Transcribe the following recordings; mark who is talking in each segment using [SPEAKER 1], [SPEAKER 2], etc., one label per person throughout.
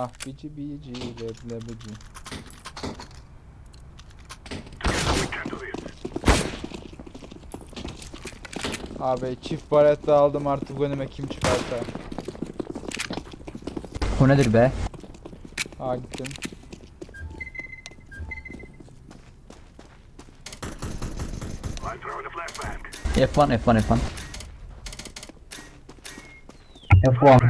[SPEAKER 1] Ah bici bici leblebici. Abi çift baret de aldım artık önüme kim çıkarsa.
[SPEAKER 2] O nedir be?
[SPEAKER 1] Ha gittim.
[SPEAKER 2] F1 F1 F1.
[SPEAKER 3] F1.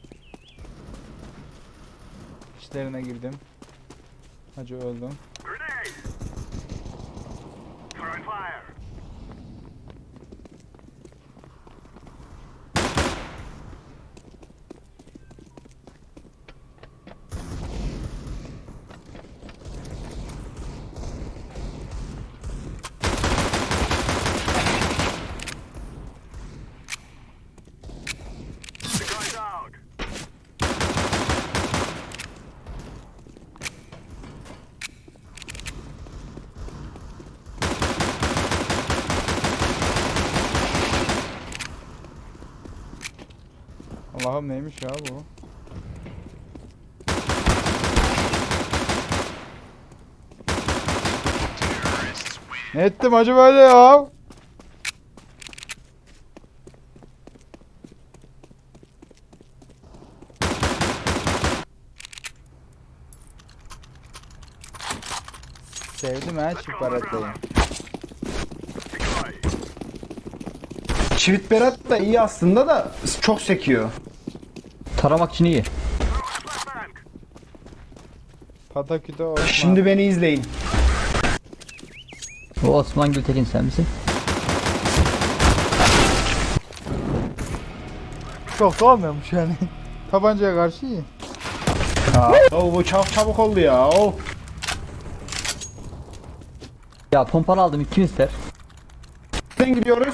[SPEAKER 1] İşlerine girdim. Hacı öldüm. Allah'ım neymiş ya bu? Ne ettim hacı böyle ya? Sevdim ha çift baretleri.
[SPEAKER 3] Çivit Berat da iyi aslında da çok sekiyor.
[SPEAKER 2] Taramak için iyi.
[SPEAKER 1] Pataküte Osman.
[SPEAKER 3] Şimdi beni izleyin.
[SPEAKER 2] O Osman Gültekin sen misin?
[SPEAKER 1] Çok da olmuyormuş yani. Tabancaya karşı iyi.
[SPEAKER 3] Bu çok çabuk oldu ya.
[SPEAKER 2] Ya pompalı aldım kim ister?
[SPEAKER 3] Nereden gidiyoruz?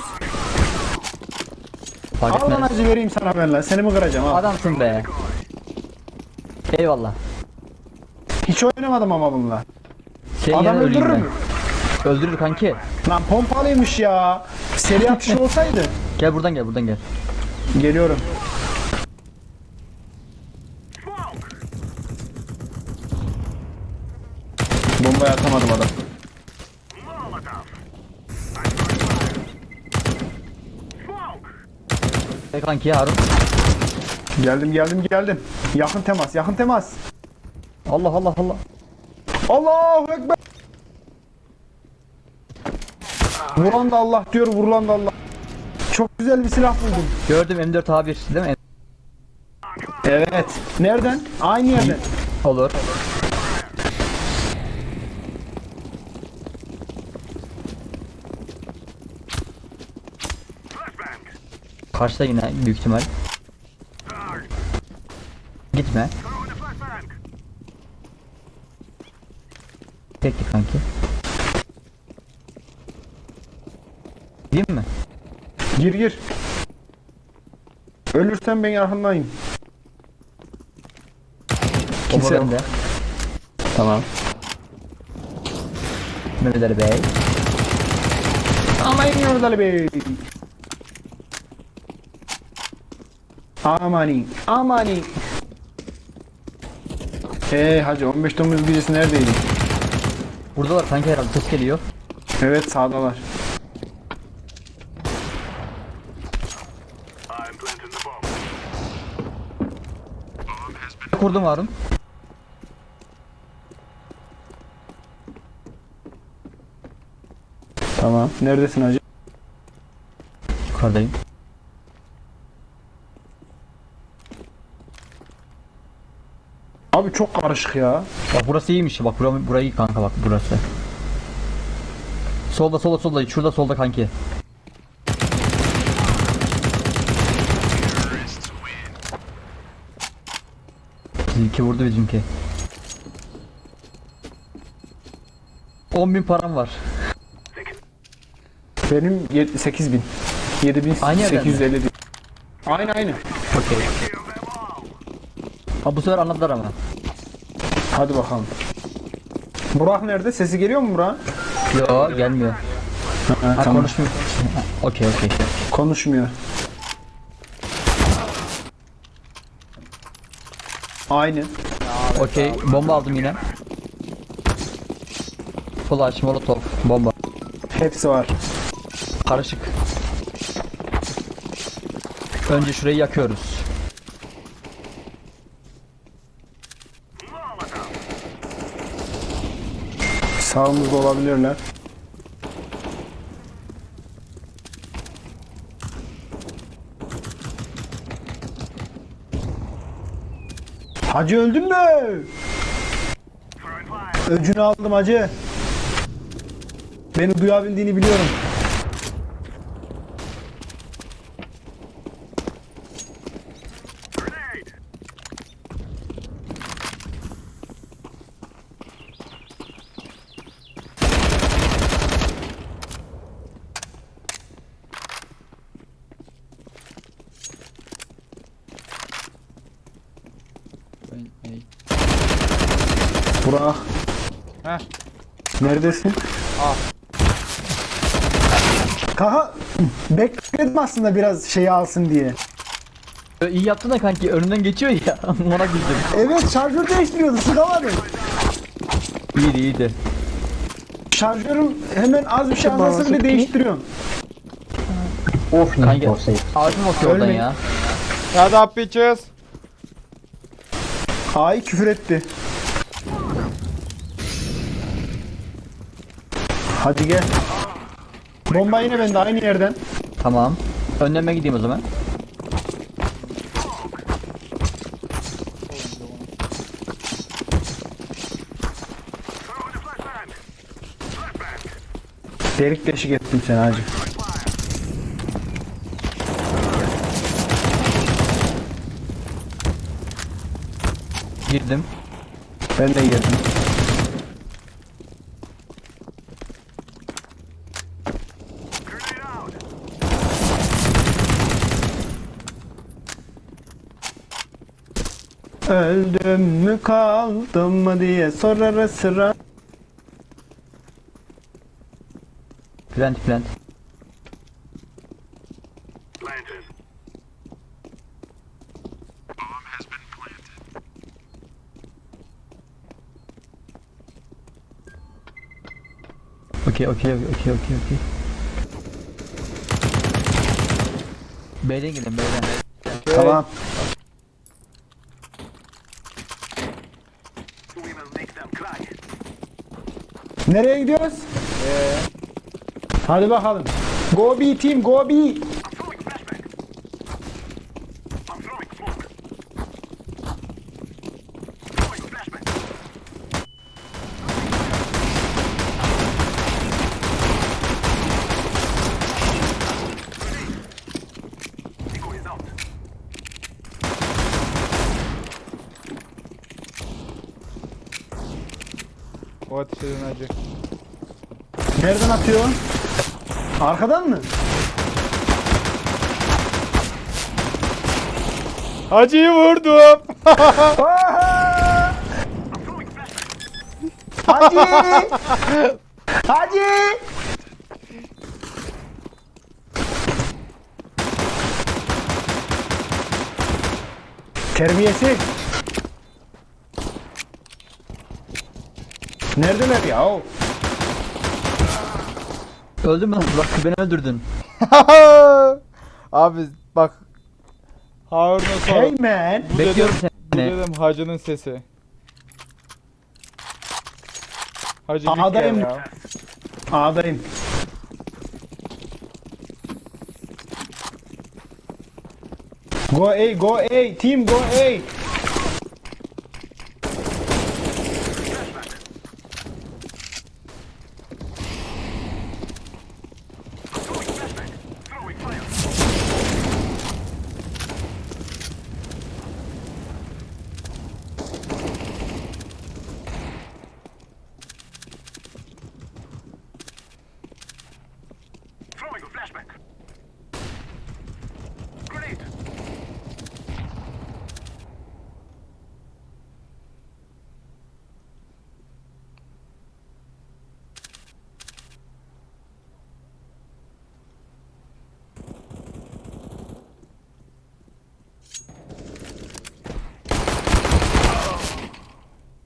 [SPEAKER 2] Fark
[SPEAKER 3] Al lan
[SPEAKER 2] etmez.
[SPEAKER 3] acı vereyim sana ben lan. Seni mi kıracağım ha?
[SPEAKER 2] Adamsın be. Eyvallah.
[SPEAKER 3] Hiç oynamadım ama bununla.
[SPEAKER 2] Senin
[SPEAKER 3] Adam
[SPEAKER 2] yerine öleyim
[SPEAKER 3] öldürür
[SPEAKER 2] ben.
[SPEAKER 3] mü?
[SPEAKER 2] Öldürür kanki.
[SPEAKER 3] Lan pompalıymış ya. Seri atışı olsaydı.
[SPEAKER 2] Gel buradan gel buradan gel.
[SPEAKER 3] Geliyorum. Bombayı atamadım adam.
[SPEAKER 2] Gel kanki Harun.
[SPEAKER 3] Geldim. Yakın temas.
[SPEAKER 2] Allah Allah Allah.
[SPEAKER 3] Allahu Ekber. Vuran da Allah diyor, vurulan da Allah. Çok güzel bir silah buldum.
[SPEAKER 2] Gördüm M4 A1 değil mi?
[SPEAKER 3] Evet. Nereden? Aynı yerden.
[SPEAKER 2] Olur. Karşıda yine büyük ihtimal. Gitme. Peki kanki. Gideyim mi?
[SPEAKER 3] Gir. Ölürsen ben yakındayım.
[SPEAKER 2] Bomba
[SPEAKER 3] Kimse yok.
[SPEAKER 2] bende.
[SPEAKER 3] Tamam.
[SPEAKER 2] Mehmet Ali Bey.
[SPEAKER 3] Aman Yordali Bey. Amani. Hacı 15 Temmuz gecesi neredeydi?
[SPEAKER 2] Buradalar kanki herhalde ses geliyor.
[SPEAKER 3] Evet sağdalar.
[SPEAKER 2] Kurdum Harun.
[SPEAKER 3] Tamam. Neredesin hacı?
[SPEAKER 2] Yukarıdayım.
[SPEAKER 3] Abi çok karışık ya.
[SPEAKER 2] Bak burası iyiymiş. Bak burayı iyi kanka bak burası. Solda. Şurada solda kanki. Bizimki vurdu bizimki. 10.000 param var.
[SPEAKER 3] Benim 8.000.
[SPEAKER 2] Aynı yerden mi?
[SPEAKER 3] 7.850 değil. Aynı.
[SPEAKER 2] Okey. Ha bu sefer anladılar ama.
[SPEAKER 3] Hadi bakalım. Burak nerede? Sesi geliyor mu Burak?
[SPEAKER 2] Yo gelmiyor. Ha
[SPEAKER 3] Tamam.
[SPEAKER 2] konuşmuyor. Okey.
[SPEAKER 3] Konuşmuyor. Aynı.
[SPEAKER 2] Okey. Bomba aldım yine. Flash, molotov, bomba.
[SPEAKER 3] Hepsi var.
[SPEAKER 2] Karışık. Önce şurayı yakıyoruz.
[SPEAKER 3] Sağımızda olabilirler. Hacı öldün mü? Öcünü aldım hacı. Beni duyabildiğini biliyorum. Burak.
[SPEAKER 1] Heh.
[SPEAKER 3] Neredesin?
[SPEAKER 1] Ah.
[SPEAKER 3] Kanka bekledim aslında biraz şeyi alsın diye.
[SPEAKER 2] İyi yaptın da kanki önünden geçiyor ya. Ona güldüm.
[SPEAKER 3] Evet şarjör değiştiriyordu sıkamadım.
[SPEAKER 2] İyiydi iyiydi.
[SPEAKER 3] Şarjörüm hemen az bir şey alması bile değiştiriyorsun.
[SPEAKER 4] Of
[SPEAKER 2] Kanki
[SPEAKER 4] ne şey.
[SPEAKER 2] ağzım bakıyor oradan
[SPEAKER 3] Ölmeyin.
[SPEAKER 2] ya.
[SPEAKER 1] Shut up bitches.
[SPEAKER 3] Ay küfür etti. Hadi gel. Bomba yine bende aynı yerden.
[SPEAKER 2] Tamam. Önleme gideyim o zaman.
[SPEAKER 3] Delik deşik ettim seni hacı.
[SPEAKER 2] Girdim.
[SPEAKER 3] Ben de girdim. Öldüm mü kaldım mı diye sorar sıra.
[SPEAKER 2] Plant. Okey. B'den gidin B'den.
[SPEAKER 3] Tamam. Nereye gidiyoruz? Hadi bakalım. Go B team, go B.
[SPEAKER 1] O ateş eden hacı.
[SPEAKER 3] Nereden atıyor? Arkadan mı?
[SPEAKER 1] Hacıyı vurdum.
[SPEAKER 3] Aha! Hadi! Hadi! Terbiyesiz. Neredeler ya?
[SPEAKER 2] Öldün mü lan? Bak beni öldürdün.
[SPEAKER 1] Abi bak. Harun'a sor.
[SPEAKER 3] Hey man.
[SPEAKER 1] Bu
[SPEAKER 2] Bekliyorum
[SPEAKER 1] dedim, bu
[SPEAKER 2] seni.
[SPEAKER 1] dedim hacının sesi. Hacı git
[SPEAKER 3] A'dayım.
[SPEAKER 1] gel ya.
[SPEAKER 3] A'dayım. Go A, go A, team go A.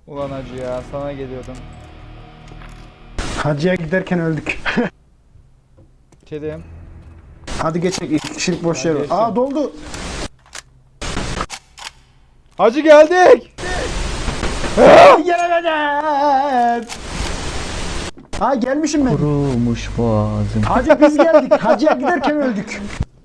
[SPEAKER 1] Ulan hacı ya, sana geliyordum.
[SPEAKER 3] Hacıya giderken öldük.
[SPEAKER 1] Çelim.
[SPEAKER 3] Hadi geçek. 2 kişilik boş
[SPEAKER 1] Hadi
[SPEAKER 3] yer var.
[SPEAKER 1] geçtim.
[SPEAKER 3] Aa doldu.
[SPEAKER 1] Hacı geldik.
[SPEAKER 3] Gelemedim. Ha gelmişim ben.
[SPEAKER 2] Kurumuş boğazım.
[SPEAKER 3] Hacı biz geldik. Hacıya giderken öldük.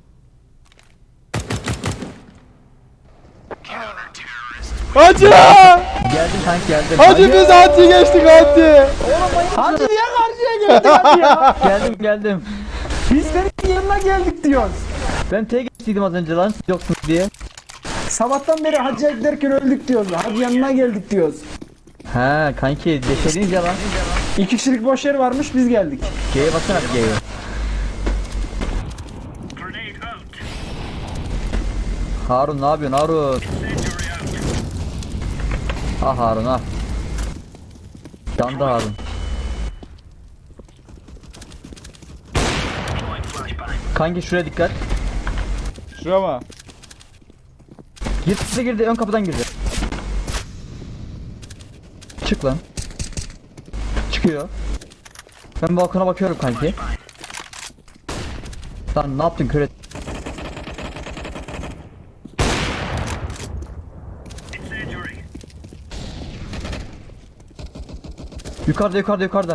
[SPEAKER 1] Hacı!
[SPEAKER 2] Geldim kanki geldim.
[SPEAKER 1] Hacı biz hacı geçtik hacı.
[SPEAKER 3] Hacı niye karşıya geldik hadi ya?
[SPEAKER 2] Geldim.
[SPEAKER 3] Biz senin yanına geldik diyoruz.
[SPEAKER 2] Ben T geçtiydim az önce lan siz yoksunuz diye.
[SPEAKER 3] Sabahtan beri hacıya giderken öldük diyoruz. Hacı yanına geldik diyoruz.
[SPEAKER 2] Ha kanki deşediniz ya lan.
[SPEAKER 3] 2 kişilik boş yer varmış biz geldik.
[SPEAKER 2] G'ye baksana bir G'ye. Harun ne yapıyorsun Harun? Ah Harun ah. Yandı Harun. Kanki şuraya dikkat.
[SPEAKER 1] Şura mı?
[SPEAKER 2] Girdi ön kapıdan girdi. Çık lan. Çıkıyor. Ben balkona bakıyorum kanki. Lan ne yaptın küre? Yukarıda.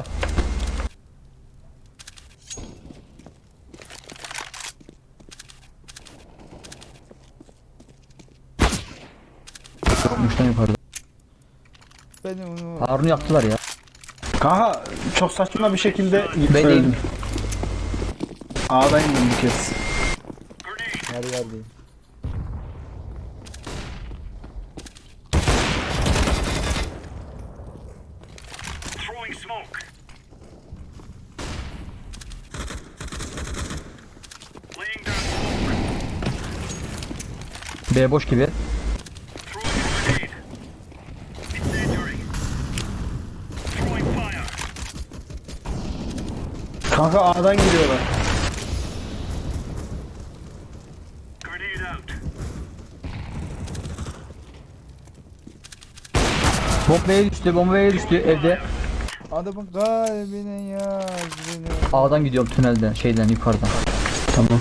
[SPEAKER 2] Yokmuş lan yukarıda.
[SPEAKER 1] Benim onu...
[SPEAKER 2] Harun'u yaktılar ya.
[SPEAKER 3] Kanka çok saçma bir şekilde
[SPEAKER 2] Ben
[SPEAKER 3] öldüm.
[SPEAKER 2] değilim.
[SPEAKER 3] A'dayım ben bir kez.
[SPEAKER 1] Her yerdeyim.
[SPEAKER 5] Throwing smoke. Laying down smoke.
[SPEAKER 2] B boş gibi.
[SPEAKER 5] Throwing grenade. Incendiary. Throwing fire.
[SPEAKER 3] Kanka A'dan giriyorlar.
[SPEAKER 5] Grenade out.
[SPEAKER 2] Bomba B'ye düştü evde.
[SPEAKER 1] Adamın kalbine yaz beni.
[SPEAKER 2] A'dan gidiyorum tünelden şeyden yukarıdan.
[SPEAKER 3] Tamam.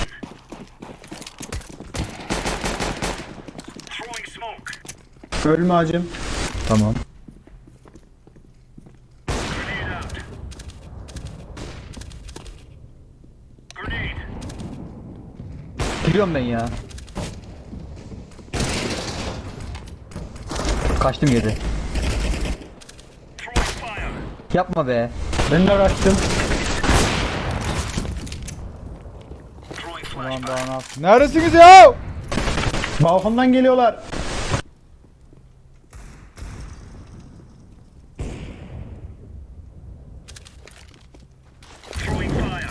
[SPEAKER 5] Throwing smoke.
[SPEAKER 3] Ölme hacım.
[SPEAKER 2] Tamam.
[SPEAKER 5] Grenade out. Grenade.
[SPEAKER 2] Giriyorum ben ya. Kaçtım geri.
[SPEAKER 5] Throwing fire.
[SPEAKER 2] Yapma be.
[SPEAKER 3] Ben de kaçtım.
[SPEAKER 5] Throwing
[SPEAKER 1] Ulan
[SPEAKER 5] flashbang.
[SPEAKER 1] daha ne yaptın? Neredesiniz ya?
[SPEAKER 3] Balkondan geliyorlar.
[SPEAKER 5] Throwing fire.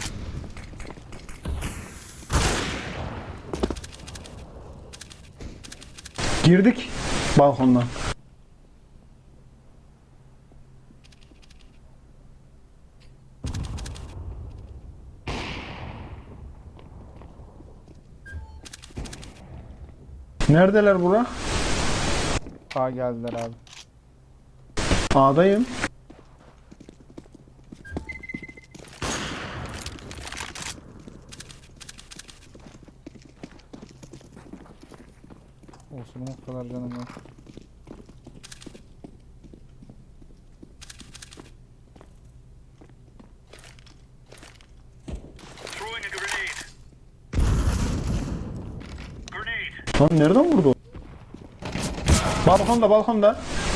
[SPEAKER 3] Girdik balkondan. Neredeler bura?
[SPEAKER 1] Ha geldiler abi.
[SPEAKER 3] A'dayım.
[SPEAKER 1] Olsun o kadar canım yok.
[SPEAKER 5] Throwing a grenade. Grenade.
[SPEAKER 3] Lan nereden vurdu o? Balkonda.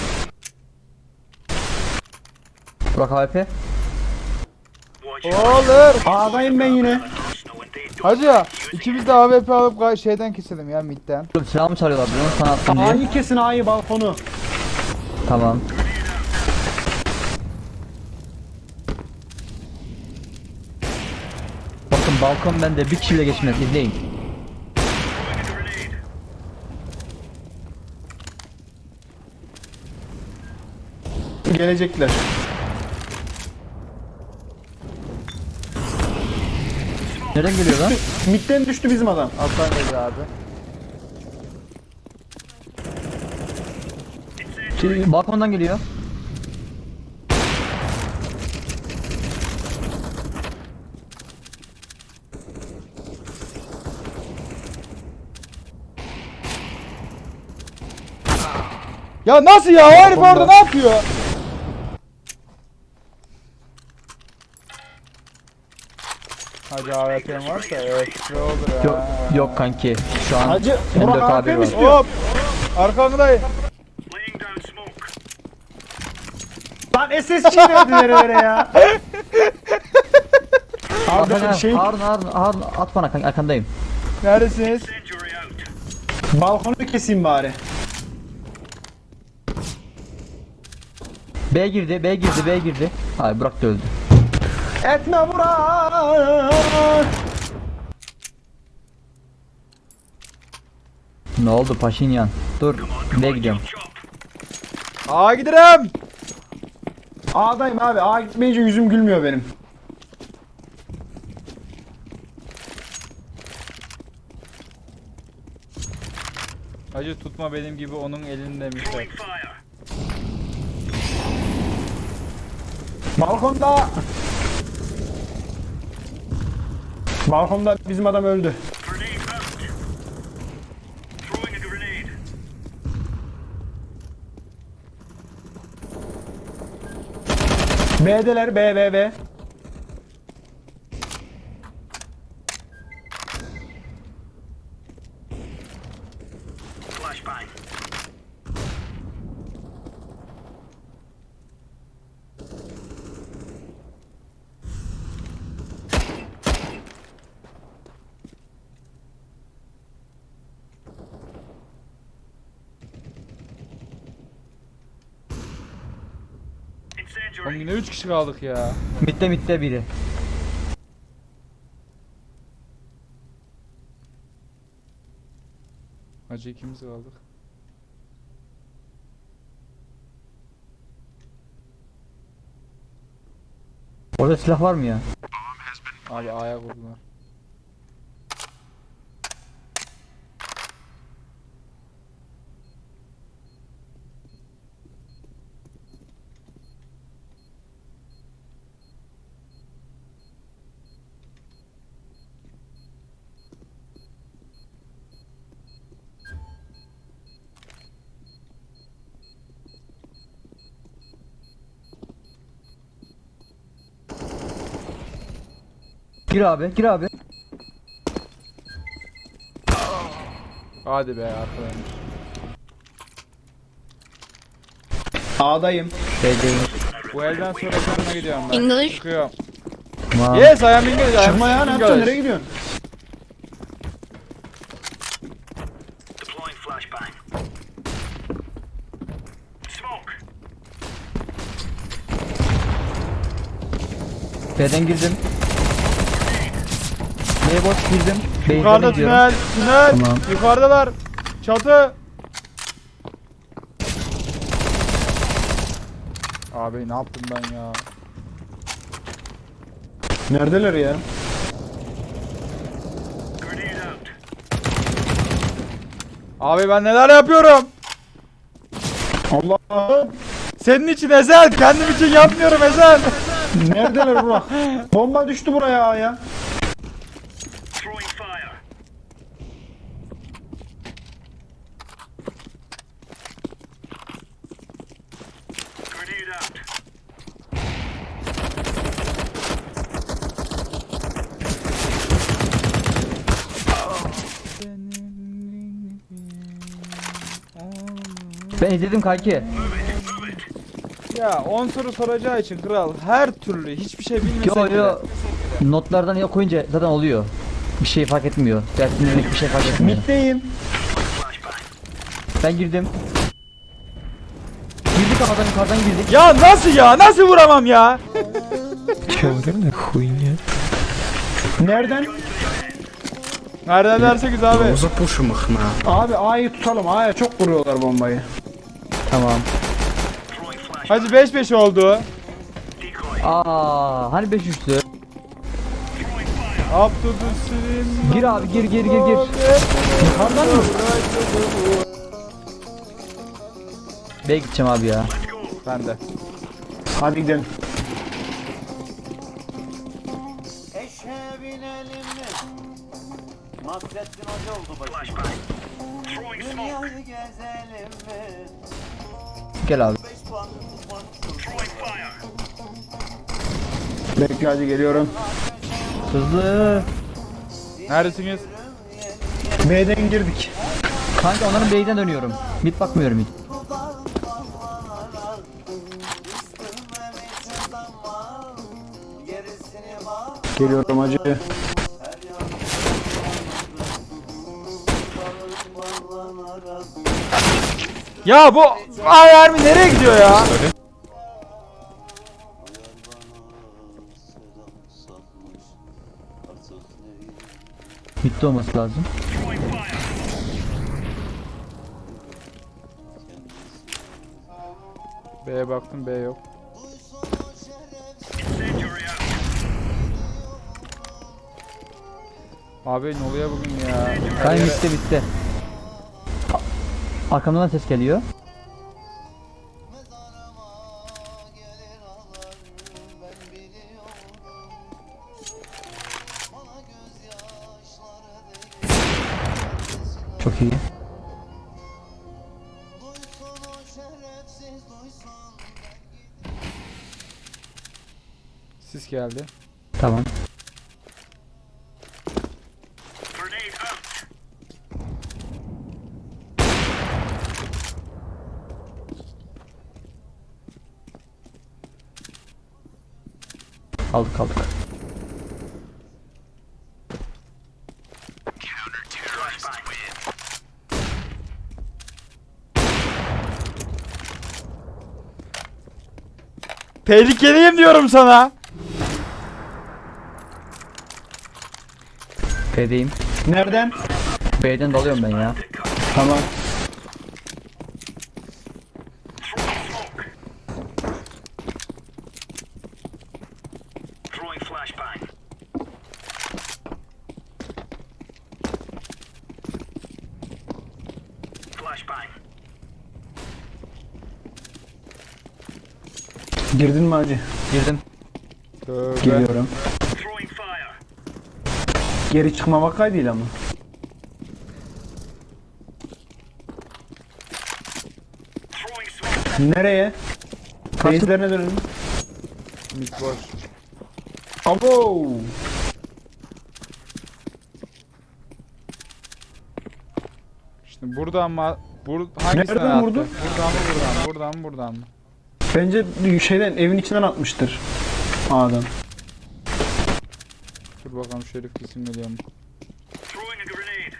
[SPEAKER 2] Burak AWP.
[SPEAKER 5] Watch out.
[SPEAKER 1] Olur.
[SPEAKER 3] A'dayım ben yine.
[SPEAKER 5] Snow and they
[SPEAKER 1] Hacı ya, ikimiz de AWP alıp şeyden keselim ya midden.
[SPEAKER 2] Oğlum silahımı çalıyorlar bunu sana attım diye.
[SPEAKER 3] A'yı kesin A'yı balkonu.
[SPEAKER 2] Tamam. Bakın balkon bende bir kişi bile geçmez izleyin.
[SPEAKER 5] throwing a grenade.
[SPEAKER 3] Gelecekler.
[SPEAKER 2] Nereden geliyor lan?
[SPEAKER 3] Midden düştü bizim adam.
[SPEAKER 1] Alttan geldi abi.
[SPEAKER 5] Incendiary.
[SPEAKER 2] Balkondan geliyor.
[SPEAKER 1] Ya nasıl ya? O herif orada ne yapıyor? Hacı AWP'm varsa ekstra olur ya.
[SPEAKER 2] Yok, yok kanki. Şu an
[SPEAKER 3] Hacı
[SPEAKER 2] M4
[SPEAKER 3] Burak
[SPEAKER 2] abi
[SPEAKER 3] abi
[SPEAKER 2] var.
[SPEAKER 3] istiyor.
[SPEAKER 1] Hop! Arkandayım.
[SPEAKER 5] Laying down smoke.
[SPEAKER 3] Lan SSC verdiler öyle ya. Abi ben şey
[SPEAKER 2] Harun at bana kanka, arkandayım.
[SPEAKER 1] Neredesiniz?
[SPEAKER 5] Incendiary out.
[SPEAKER 3] balkonu keseyim bari.
[SPEAKER 2] B girdi. Hayır, Burak da öldü.
[SPEAKER 3] Etme Burak.
[SPEAKER 2] Ne oldu Paşinyan? Dur, B gidiyorum.
[SPEAKER 5] Chop.
[SPEAKER 1] Aa giderim.
[SPEAKER 3] A'dayım abi. A gitmeyince yüzüm gülmüyor benim.
[SPEAKER 1] Hacı tutma benim gibi onun elinde
[SPEAKER 5] Throwing
[SPEAKER 1] Müştak.
[SPEAKER 5] fire.
[SPEAKER 3] Balkonda. Balkonda bizim adam öldü.
[SPEAKER 5] Grenade out. Throwing a grenade.
[SPEAKER 3] B'deler B.
[SPEAKER 5] Flashbang.
[SPEAKER 1] Oğlum
[SPEAKER 5] Incendiary.
[SPEAKER 1] yine 3 kişi kaldık ya.
[SPEAKER 2] Mitte biri.
[SPEAKER 1] Hacı ikimiz kaldık.
[SPEAKER 2] Orada silah var mı ya?
[SPEAKER 1] Abi A'ya vurdular.
[SPEAKER 2] Gir abi.
[SPEAKER 1] Hadi be arkadaşlar.
[SPEAKER 3] A'dayım.
[SPEAKER 2] B'deyim.
[SPEAKER 1] Bu elden sonra sonuna gidiyorum ben.
[SPEAKER 6] English.
[SPEAKER 1] Çıkıyorum.
[SPEAKER 2] Tamam.
[SPEAKER 1] Yes, I am English. I am
[SPEAKER 3] Çıkma ya, ne
[SPEAKER 1] English.
[SPEAKER 3] yaptın? Nereye gidiyorsun?
[SPEAKER 5] Deploying flashbang. Smoke.
[SPEAKER 2] B'den girdim. B'ye boş girdim.
[SPEAKER 1] Yukarıda
[SPEAKER 2] B'den gidiyorum.
[SPEAKER 1] tünel.
[SPEAKER 2] Tamam.
[SPEAKER 1] Yukarıdalar. Çatı. Abi ne yaptım ben ya?
[SPEAKER 3] Neredeler ya?
[SPEAKER 5] Grenade out.
[SPEAKER 1] Abi ben neler yapıyorum?
[SPEAKER 3] Allah'ım.
[SPEAKER 1] Senin için Ezel, kendim için yapmıyorum Ezel.
[SPEAKER 3] Neredeler Burak? Bomba düştü buraya A'ya.
[SPEAKER 5] Throwing fire. Grenade out.
[SPEAKER 2] Ben izledim kanki.
[SPEAKER 1] Ya 10 soru soracağı için kral her türlü hiçbir şey bilmesek
[SPEAKER 2] Yo
[SPEAKER 1] bile.
[SPEAKER 2] yo. Notlardan ya koyunca zaten oluyor. Bir şey fark etmiyor. Dersin dinlemek bir şey fark etmiyor.
[SPEAKER 3] Middeyim.
[SPEAKER 2] Ben girdim. Girdik kafadan yukarıdan girdik.
[SPEAKER 1] Ya nasıl ya? Nasıl vuramam ya?
[SPEAKER 3] Nereden?
[SPEAKER 1] Nereden dersek abi.
[SPEAKER 3] Abi A'yı tutalım. A'ya çok vuruyorlar bombayı.
[SPEAKER 2] Tamam.
[SPEAKER 5] Throwing flash.
[SPEAKER 1] Hacı 5-5 oldu.
[SPEAKER 5] Decoy.
[SPEAKER 2] Aa, hani 5 3'tü.
[SPEAKER 5] Throwing fire.
[SPEAKER 1] Abdülslim.
[SPEAKER 2] Gir abi gir.
[SPEAKER 3] Yukarıdan mı?
[SPEAKER 2] B'ye gideceğim abi ya.
[SPEAKER 5] Let's go.
[SPEAKER 1] Ben de.
[SPEAKER 3] Hadi gidelim.
[SPEAKER 6] Eşe binelim mi? Nasrettin Hoca oldu başıma.
[SPEAKER 5] Flashbang. Throwing smoke.
[SPEAKER 6] Dünyayı gezelim mi?
[SPEAKER 2] Gel abi.
[SPEAKER 6] 5 puan
[SPEAKER 5] Throwing fire.
[SPEAKER 3] Bekle hadi geliyorum.
[SPEAKER 2] Hızlı.
[SPEAKER 1] Neredesiniz?
[SPEAKER 3] B'den girdik.
[SPEAKER 2] Kanka onların B'den dönüyorum. Mid bakmıyorum hiç.
[SPEAKER 6] gerisini bak.
[SPEAKER 3] Geliyorum hacı.
[SPEAKER 1] Ya bu ayar mı nereye gidiyor ya?
[SPEAKER 2] Mid'de olması lazım.
[SPEAKER 5] Throwing fire.
[SPEAKER 1] B'ye baktım, B yok.
[SPEAKER 5] Incendiary out.
[SPEAKER 1] Abi ne oluyor bugün ya? Her
[SPEAKER 2] Kanka
[SPEAKER 1] yere-
[SPEAKER 2] bitti. Arkamdan ses geliyor. Çok iyi.
[SPEAKER 1] Sis geldi.
[SPEAKER 2] Tamam.
[SPEAKER 5] Grenade out.
[SPEAKER 2] Aldık.
[SPEAKER 5] Flashbang.
[SPEAKER 1] Tehlikeliyim diyorum sana.
[SPEAKER 2] B'deyim.
[SPEAKER 3] Nereden?
[SPEAKER 2] B'den dalıyorum ben ya.
[SPEAKER 3] Tamam.
[SPEAKER 5] Throwing smoke. Throwing flashbang. Flashbang.
[SPEAKER 3] Girdin mi hacı?
[SPEAKER 2] Girdim.
[SPEAKER 1] Tövbe.
[SPEAKER 3] Geliyorum.
[SPEAKER 5] Throwing fire.
[SPEAKER 3] Geri çıkmamak kaydıyla mı?
[SPEAKER 5] Throwing smoke.
[SPEAKER 3] Nereye? Base'lerine dönelim.
[SPEAKER 1] Mid boş.
[SPEAKER 3] Abo!
[SPEAKER 1] Şimdi buradan mı? Hangisinden
[SPEAKER 3] Nereden
[SPEAKER 1] attı?
[SPEAKER 3] vurdu?
[SPEAKER 1] Buradan mı buradan? Buradan mı buradan mı?
[SPEAKER 3] Bence şeyden evin içinden atmıştır. A'dan.
[SPEAKER 1] Dur bakalım şu herif kesin geliyor mu?
[SPEAKER 5] Throwing a grenade.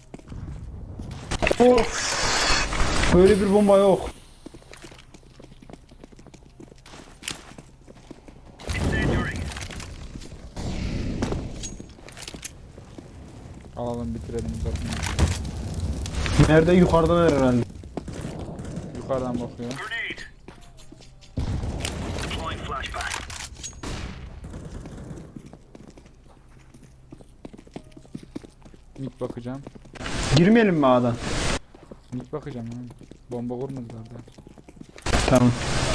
[SPEAKER 3] Of! Böyle bir bomba yok.
[SPEAKER 5] Incendiary.
[SPEAKER 1] Alalım bitirelim zaten.
[SPEAKER 3] Nerede? Yukarıdan herhalde.
[SPEAKER 1] Yukarıdan bakıyor.
[SPEAKER 5] Grenade. Deploying flashbang.
[SPEAKER 1] Mid bakacağım.
[SPEAKER 3] Girmeyelim mi A'dan?
[SPEAKER 1] Mid bakacağım. Ha. Bomba kurmadılar da.
[SPEAKER 3] Tamam.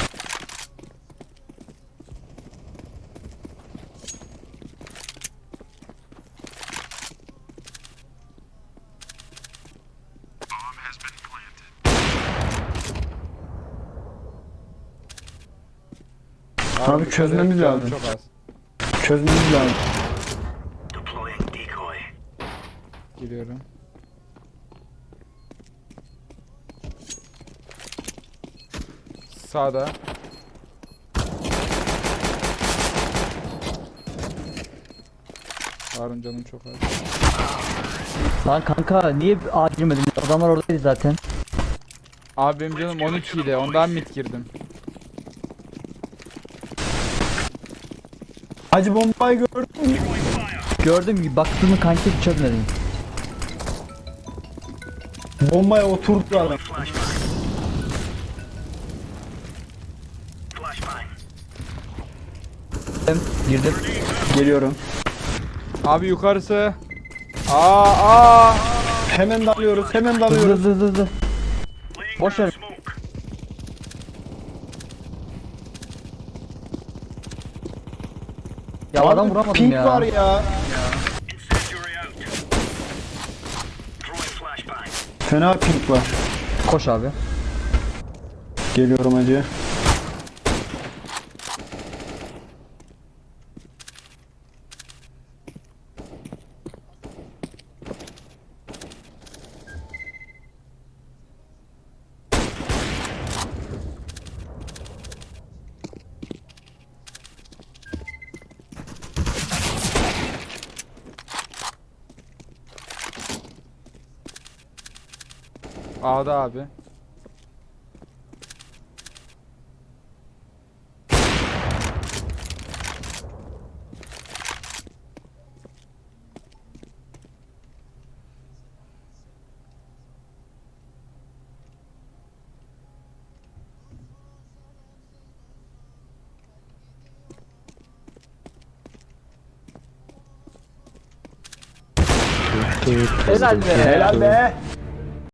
[SPEAKER 3] Abi çözmemiz
[SPEAKER 1] canım
[SPEAKER 3] lazım.
[SPEAKER 1] Çok az.
[SPEAKER 3] Çözmemiz lazım.
[SPEAKER 5] Deploying decoy.
[SPEAKER 1] Giriyorum. Sağda. Harun canım çok az.
[SPEAKER 2] Lan kanka niye A girmedin? Adamlar oradaydı zaten.
[SPEAKER 1] Abi benim canım 12 ile ondan mid girdim.
[SPEAKER 3] Hacı bombayı gördün mü?
[SPEAKER 5] Throwing fire.
[SPEAKER 2] Gördüm ki baktığımı kanka hiç çözmedim.
[SPEAKER 3] Bombaya oturdu adam.
[SPEAKER 5] Flashbang. Flashbang.
[SPEAKER 2] Girdim.
[SPEAKER 3] Geliyorum.
[SPEAKER 1] Abi yukarısı. Aa.
[SPEAKER 3] Hemen dalıyoruz, hemen
[SPEAKER 2] Hızlı
[SPEAKER 3] dalıyoruz.
[SPEAKER 2] hızlı hızlı hızlı.
[SPEAKER 5] Laying
[SPEAKER 2] Boş
[SPEAKER 5] down
[SPEAKER 2] ver.
[SPEAKER 5] smoke.
[SPEAKER 2] Ya adam vuramadım
[SPEAKER 3] Pink
[SPEAKER 2] ya.
[SPEAKER 3] var ya.
[SPEAKER 5] Incendiary out. Throwing flashbang.
[SPEAKER 3] Fena pink var.
[SPEAKER 2] Koş abi.
[SPEAKER 3] Geliyorum hacı.
[SPEAKER 1] A'da abi.
[SPEAKER 2] Helal be.
[SPEAKER 3] Helal be.